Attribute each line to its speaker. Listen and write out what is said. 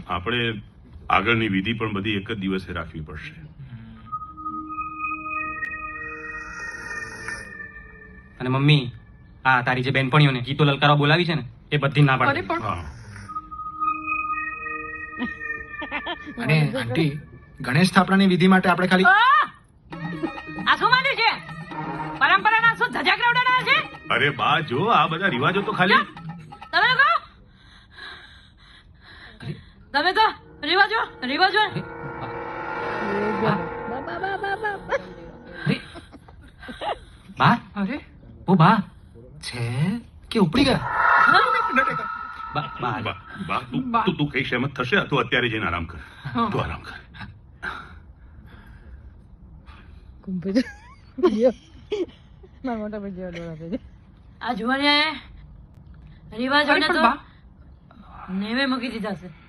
Speaker 1: આપણે આગળની વિધિ પણ બધી એક જ દિવસે રાખવી પડશે.
Speaker 2: અને મમ્મી આ તારી જે બેનપણીઓને ગીતો લલકારવા બોલાવી છે ને એ બધી ના પાડે.
Speaker 1: હા
Speaker 3: અને આંટી ગણેશ સ્થાપનાની વિધિ માટે આપણે ખાલી
Speaker 4: આ શું માંડ્યું છે? પરંપરાના શું ધજાગરા ઉડાડ્યા છે?
Speaker 1: અરે બા જો આ બધા રિવાજો તો ખાલી
Speaker 4: તમે લોકો તમે તો રિવાજો
Speaker 2: બા
Speaker 3: અરે
Speaker 2: ઓ બા
Speaker 3: છે કે ઉપડી ગયા
Speaker 2: બા બા
Speaker 1: બા બા તું કઈ સહેમત થશે તું અત્યારે જઈને આરામ કર. તું આરામ કર.
Speaker 4: આ જુવાનિયાએ રિવાજોને તો નેવે મૂકી દીધા છે.